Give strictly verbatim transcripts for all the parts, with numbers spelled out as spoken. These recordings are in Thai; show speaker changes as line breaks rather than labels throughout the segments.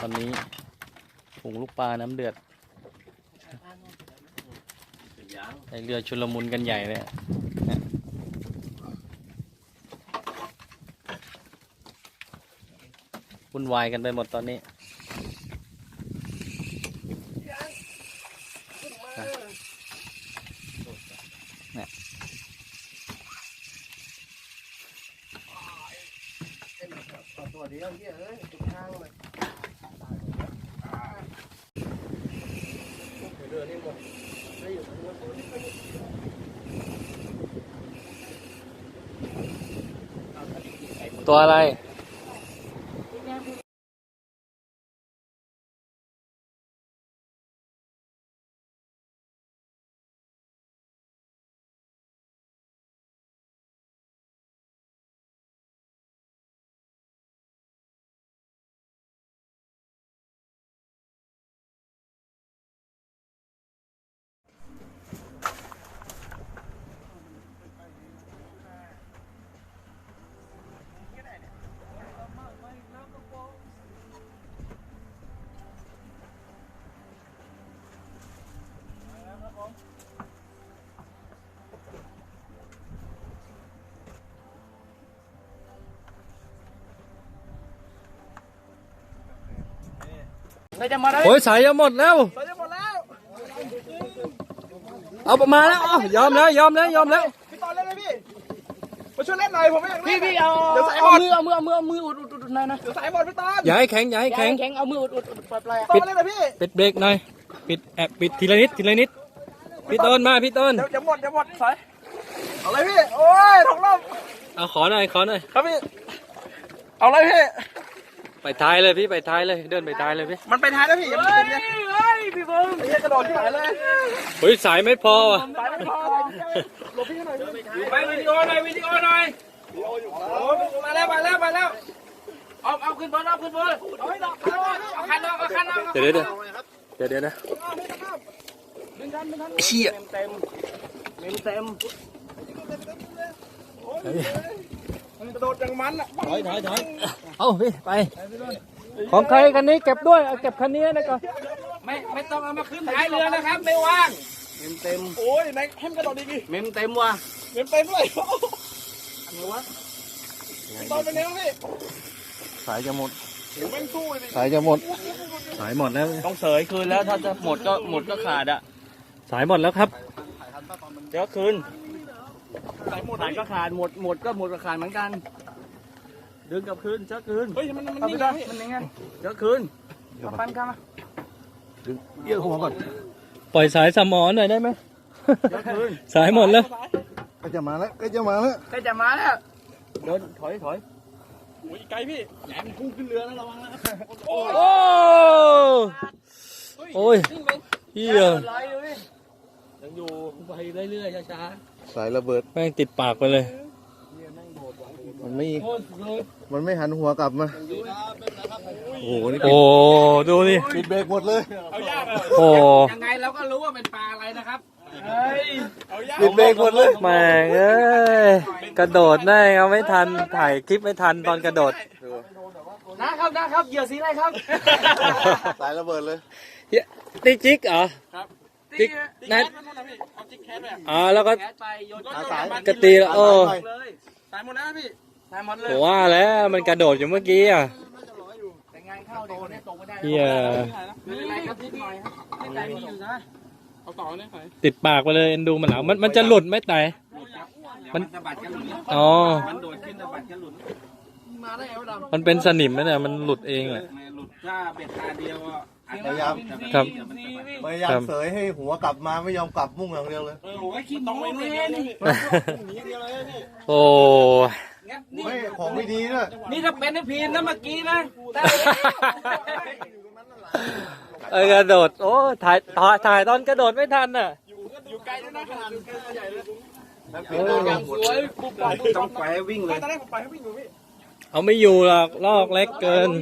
อนนี้ฝูงลูกปลาน้ำเดือดไอเรือชุลมุนกันใหญ่เลยวุ่นวายกันไปหมดตอนนี้เนี่ย
ตัวเดียวเยอะเลยจุดทางเลยเรือนี่หมดได้อยู่ทั้งหมด
ตัวอะไรโอ้ยสายจะหมดแล้วสายจะหมดแล้วเอาประมาณแล้วยอมแล้วยอมแล้วยอมแล้ว
พี่ตอนเล่นไหมพี่มาช่วยเล่นหน่อยผมไม่อยากเล่น
พี่พี่เอาเดี๋ยวสายหมดเอามือเอามือเอามืออุดอุดอุดหน่อยนะ
เดี๋ยวสายหมดพี่ตอน
อย่าให้แข็งอย่าให้แข็ง
แข็งเอามืออุดอุดอุดปล่อยปล่อย
ตอนเล่นนะพี่
ปิดเบรกหน่อยปิดแอบปิดทีละนิดทีละนิดพี่ต้นมาพี่ต้น
เดี๋ยวจะหมดจะหมดสายเอาเลยพี่โอ้ยถกลม
เอาขอหน่อยขอหน่อย
ครับพี่เอาเลยพี่
ไปท้ายเลยพี่ไปท้ายเลยเดินไปท้ายเลยพี่
มันไปท้ายแล้วพี่อย่าไปเล่นเฮ้ยพี่เบิ้มไอ้กระโดดที่ไหนเลย
เฮ้ยสายไม่พอว่ะ
สายไม่พอหลบพี่หน่อย
ไปวิดีโอหน่อยวิดีโอหน่อยมาแล้วมาแล้วมาแล้วเอาเอาขึ้นบนเอาขึ้นบนเอาให้ดอกเอาคันเอาเอาคันเอา
เดี๋ยวเดี๋ยวเดี๋ยวเดี๋ยวนะเชี่ย
เต็มเต็มเต็ม
กระโดดอย่างมันอ่ะ
ถอยถอยถอยเอาพี่ไปของใครคันนี้เก็บด้วยเอาเก็บคันนี้นะก่อน
ไม่ไม่ต้องเอามาขึ้นท้ายเรือนะครับไม่ว่างเต็มเต็ม
โอ้ยไหนให้มันกระโดดดีดี
เมมเต็มว่ะ
เมมเต็มเลยอะไรวะตอนเป็นไงพี่
สายจะหมด
ไม่สู้เลย
สายจะหมดสายหมดแล้ว
ต้องเสยคืนแล้วถ้าจะหมดก็หมดก็ขาดอ่ะ
สายหมดแล้วครับ
เดี๋ยวคืนสายหมดสายก็ขาดหมดหมดก็หมดก็ขาดเหมือนกันดึงกลับคืนเจ้าคืน
เฮ้ยมันมัน
นี่ไงมันยังไงเจ้าคืนมาปั้นกันมา
ดึงเยี่ยวหัวก่อนปล่อยสายสมอหน่อยได้ไหม
เจ้าคืน
สายหมดแล้ว
ก็จะมาแล้วก็จะมาแล้ว
ก็จะมาแล้วเดินถอยถอย
โอ้ยไกลพี่แหลมพุ่งขึ้นเรือนะระวังนะครับ
โอ้โอ้ยเฮีย
ยังอยู่ไปเรื่อยๆช้า
ๆสายระเบิด
แม่งติดปากไปเลย
มันไม่มันไม่หันหัวกลับมา
โอ้โหนี่โอ้ดูนี่
ปิดเบรกหมดเลย
โอ้
ยังไงเราก็รู้ว่าเป็นปลาอะไรนะครับ
ปิดเบรกหมดเลย
แม่งเอ้ยกระโดดได้เอาไม่ทันถ่ายคลิปไม่ทันตอนกระโดด
นะครับนะครับเหยื่อสีอะไรครับ
สายระเบิดเลย
ติ๊กจิ๊กเหรอจิ๊กนั่นอ๋อแล้วก็กระตีแล้วโอ้
สายหมดแล้วพี่
สายหมดเลย
ผมว่าแล้วมันกระโดดอยู่เมื่อกี้อ่ะเฮียติดปากไปเลยเอ็นดูมันหลังมันมันจะหลุดไหมแต่มันอ๋อมันเป็นสนิมไหมเนี่ยมันหลุดเองแหละ
หลุดถ้าเบ็ดตาเดียว
พยายาม
ครับ
พยายามเสยให้หัวกลับมาไม่ยอมกลับมุ่งอย่างเดียวเลย
ต้องไม่เล่น
โอ้
ไม่ของไม่ดีด้วย
นี่ถ้าเป็นไอ้พีนนะเมื่อกี้นะ
เออกระโดดโอ้ถ่ายถ่ายตอนกระโดดไม่ทันน่ะ
อยู่ไกลด้วยนะขนาดอยู่ไกลใหญ่เลย
สวยปุ๊บต้องไปวิ่งเลย
ตอนแรกผมไปให้วิ่งอยู่พี่
เอาไม่อยู่หรอกลอกเล็กเกิน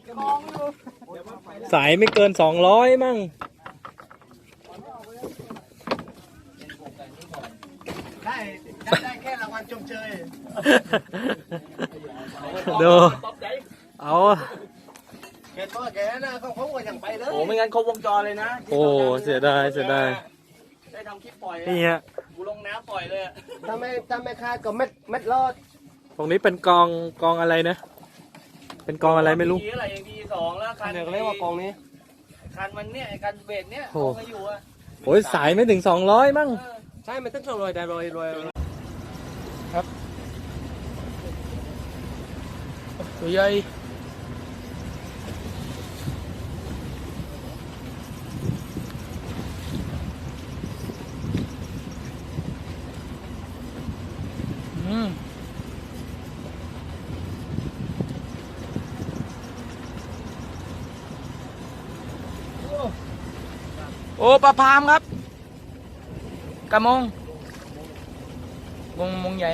สายไม่เกินสองร้อยมั่ง
ได้ได้แค่รางวัลชมเชย
ดูเอา
แกตัวแกนะ
กันครบวงจรเลยนะ
โอ้เสียดายเสียดาย
ได้ทำคลิปปล่อย
นี่ฮะ
กูลงน้ำปล่อยเลย
ถ้าไม่ถ้าไม่คาดก็เม็ดเม็ดรอด
ตรงนี้เป็นกองกองอะไรนะ เป็นกองอะไรไม่รู้
ดีอะไรดีสองแล้วคัน
เนี่ยก็เรียกว่ากองนี้
คันมันเนี่ยคันเบรกเนี่ย
โอ้
เขาอยู่อะ
โอ้ยสายไม่ถึงสองร้อยมั้ง
ใช่มันต้องส่งรอยแต่รอยรอย
ตัวใหญ่อืมโอ้ปลาพามครับกระมงมงมงใหญ่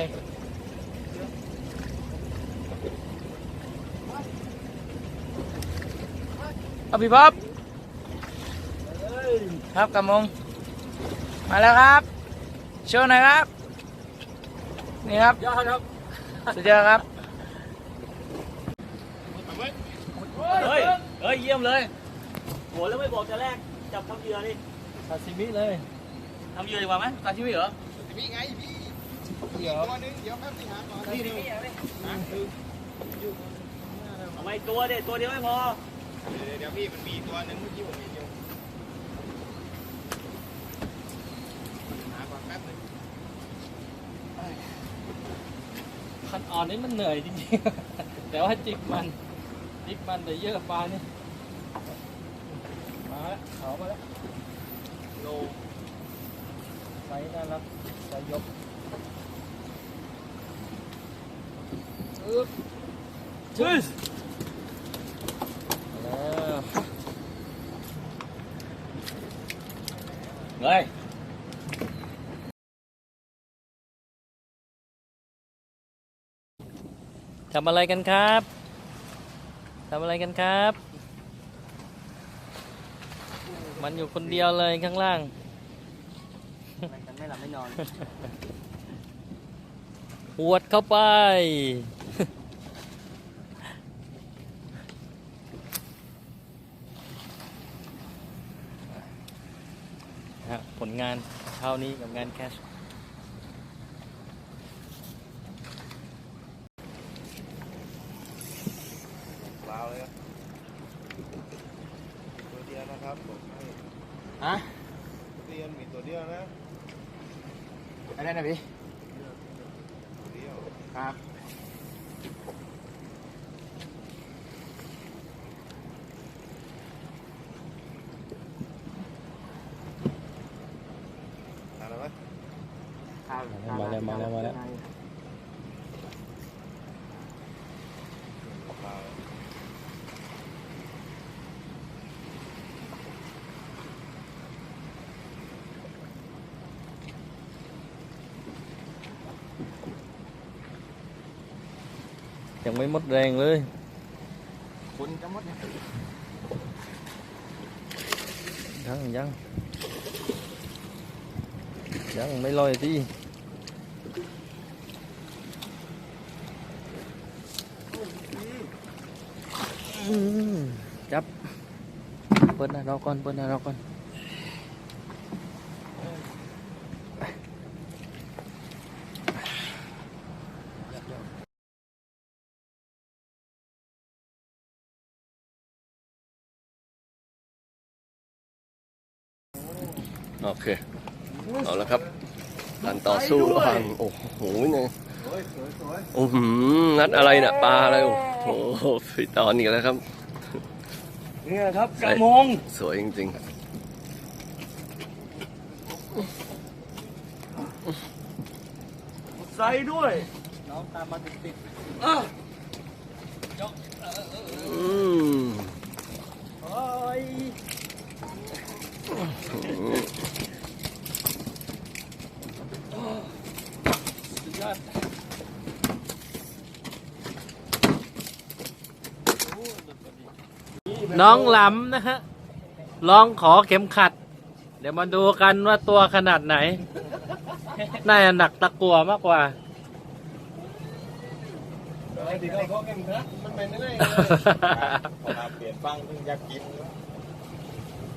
เอาพี่ป๊อปครับกระมงมาแล้วครับโชว์หน่อยครับนี่ครับ
ยอดครับ
สุดยอดครับ
เฮ้ยเฮ้ยเยี่ยมเลยโหแล้วไม่บอกจะแรกจับทำเหยื่อดิ
ซาซิมิเลย
ทำเหยื่อดีกว่าไหมตาชิมิเหรอ
มีไงพี่อีกตัวนึงเดี๋ยวแป๊บนึงหาก่อน
นี่นี่เอาไม่ตัวเด็ดตัวเดียวไม่พอ
เดี๋ยวพี่มันมีตัวนึงเมื่อกี้ผมเห็นอยู่หาก่อนแป๊บนึง
คันอ่อนนี่มันเหนื่อยจริงๆ แต่ว่าจิกมันจิกมันแต่เยอะปลานี่มาแล้วเขามาแล้วโลไซส์น่ารักไซส์ยกอึ๊บจึ๊สแล้ว
เฮ้ย
ทำอะไรกันครับทำอะไรกันครับ มันอยู่คนเดียวเลยข้างล่าง
กันไม่หลับไม่นอน
หวดเข้าไป ฮะผลงานเท่านี้กับงานแคช
ว้าวเลยตัวเดียวนะครับผมให้
ฮะ
เรียนมีตัวเดียวนะ
อะไรนะพี่
ตัวเดียว
ครับ
ทานแล้วไหม
มาแล้วมาแล้วมาแล้ว
ปลา
ยังไม่หมดแรงเลย
คุณจะหมดเนี่ย
ยังยังยังไม่ลอยที่อืมจับเปิดหน้าเราก่อนเปิดหน้าเราก่อนโอเคเอาละครับการต่อสู้ระหว่างโอ้โหเนี่ย
สวยสวยสวย
โอ้โหนัดอะไรเนี่ยปลาอะไรโอ้โหฝีตอนอีกแล้วครับ
นี่ครับกระมง
สวยจริงๆ
ใส่ด้วย
น้องตามมาติดติด
อ้าว
อืม
โอ้ย
สุดยอดน้องหลำนะฮะลองขอเข็มขัด เดี๋ยวมาดูกันว่าตัวขนาดไหน น่าจะหนักตะกั่วมากกว่า
ไอ้ที่เขาเขาเก่งนะมันเป็นยังไงพอมาเปลี่ยนฟังเพิ่งอยากกิน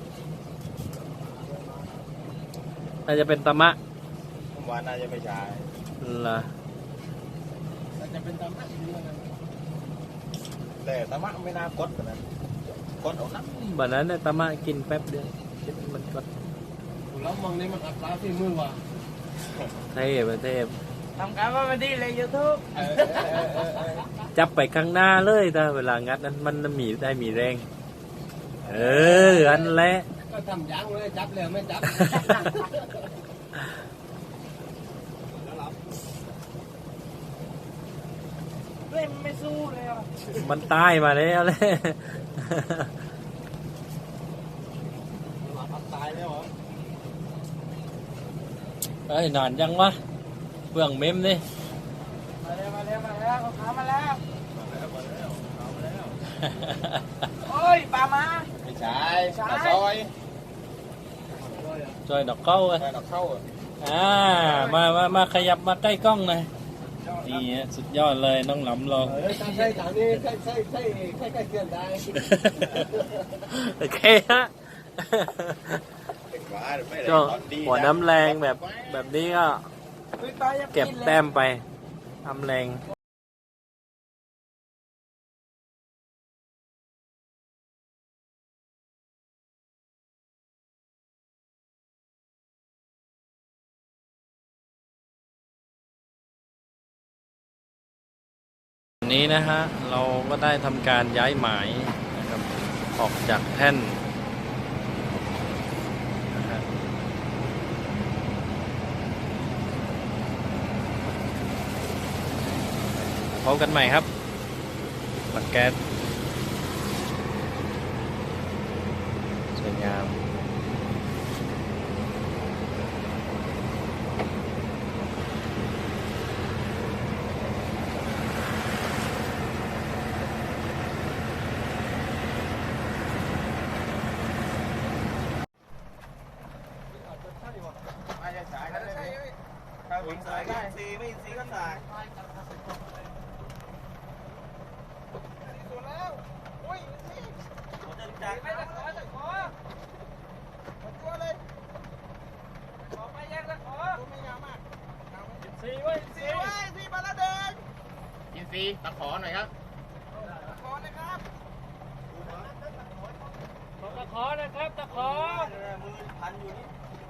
น่าจะเป็นตะมะ
ผมว่าน่าจะไม่ใช่
เหรอ
แต่จะเป็นตามหน้าที่ด้วยนะ
แต่ตะมะไม่น่ากดแบบนั้นกดเอานัก
แบบนั้นเนี่ยตะมะกินแป๊บเดียวกินมันก็
แล้วมองนี่มันอัตราที่มือว่ะ
เทพเทพ
ทำการว่ามันดีเลยยูทูบ
จับไปข้างหน้าเลยถ้าเวลางัดนั้นมันมีได้มีแรง เอออันแหละ
ก็ทำยังเลยจับเลยไม่จับเล่นไม่สู้เลยอ่ะ
มันตายมาแล้วเลย
ตายแล้วเหรอ
เอ้ยนานยังวะเบื้องเมมนี่
มาแล้วมาแล้วมาแล้วขามาแล้ว
มาแล้วมาแล้วเอามาแล้ว
โอ้ยปลามา
ไม่ใช่ปลาซอย
จอยดอกเก้าเลย
ไปเราเข้าอ่ะ
อ่ามามามาขยับมาใกล้กล้องหน่อยนี่ฮะสุดยอดเลยน้องหลำเรา
เฮ้ยใช่ถามนี่ใช่ใช่ใช่ใช่ใกล้เกินได้
โอเคฮะ
เป็นว่าไม่ได้
ก็
ตอนดีะ
หัวน้ำแรงแบบแบบนี้ก็
ฮ้ยปลายัง
เก็บแต้มไปน้ำแรงวันนี้นะฮะเราก็ได้ทำการย้ายหมายนะครับออกจากแท่นนะฮะพบกันใหม่ครับบัตรแก๊สสวยงาม
ถ้าวิ่งสายก็ซีไม่ซีก็สาย
ส่วนแล้วโอ้ยนี่
ผมจะจัด
ไม่ตะขอตะขอมาตัวเลยขอไปยังตะขอตัวไม่ยาวมากสี่เว้ยสี่เว้ยสี่มาแล้วเดิน
ยินซีตะขอหน่อยครับ
ตะขอนะครับตะขอนะครับตะขอ
มือพันอยู่นี่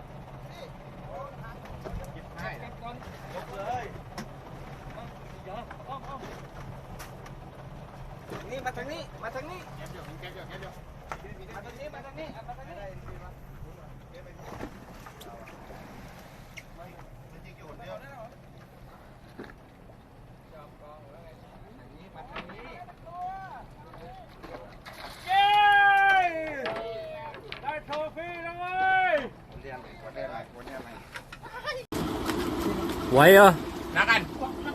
หยิบให้ยกเลย
เดี๋ยวอ้อมอ้อมนี่มาทางนี้มาทางนี้
เก็บเดี๋ยวเก็บเดี๋ยวเก็บเดี๋ยว
มาทางนี้มาทางนี้มาทางนี้
มันยิงอยู่คนเดียว
เย้ได้โทฟี่แล้วเว้ย
คนเดียวคนเดียวอะไรคนเดียวอะไร
ไหวเหรอ
นักกัน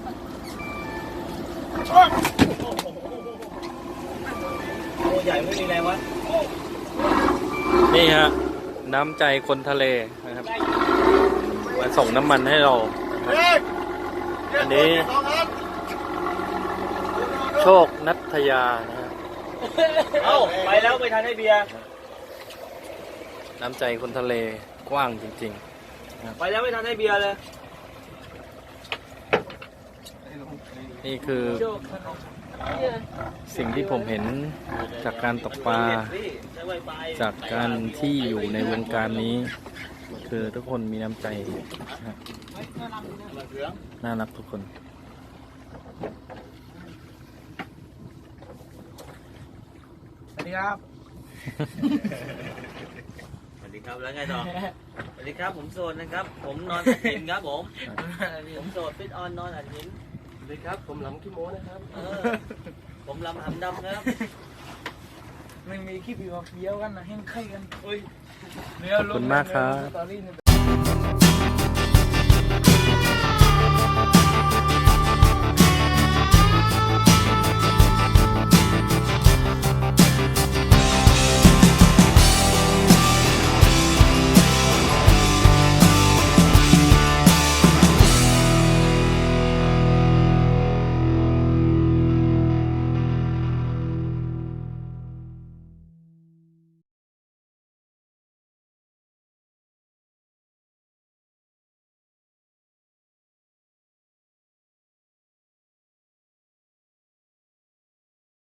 ตัวใหญ่ไม่มีแรงวะ
นี่ฮะน้ำใจคนทะเลนะครับมาส่งน้ำมันให้เรานะครับอันนี้โชคนัทยานะฮะ
เอ้าไปแล้วไปทานให้เบียร์
น้ำใจคนทะเลกว้างจริง
ไปแล้วไม่ทานให้เบียร์เลย
ๆ นี่คือสิ่งที่ผมเห็นจากการตกปลาจากการที่อยู่ในวงการนี้ คือทุกคนมีน้ำใจนะฮะน่ารักทุกคน
สวัสดีครับ
สวัสดีครับแล้วไงต่อ สวัสดีครับผมโสดนะครับ ผมนอนอัดหินครับผม ผมโสดฟิตออนนอนอัดหิน
สวัสดีครับผมหลำขี้โม้นะครับ
เออผมลำหำดำครับ
ไม่มีคลิปอยู่เดียวกันนะแห้งไข่กัน
อุ้ย
เดี๋ยวลง
ขอบคุณมากครับ
สตอรี่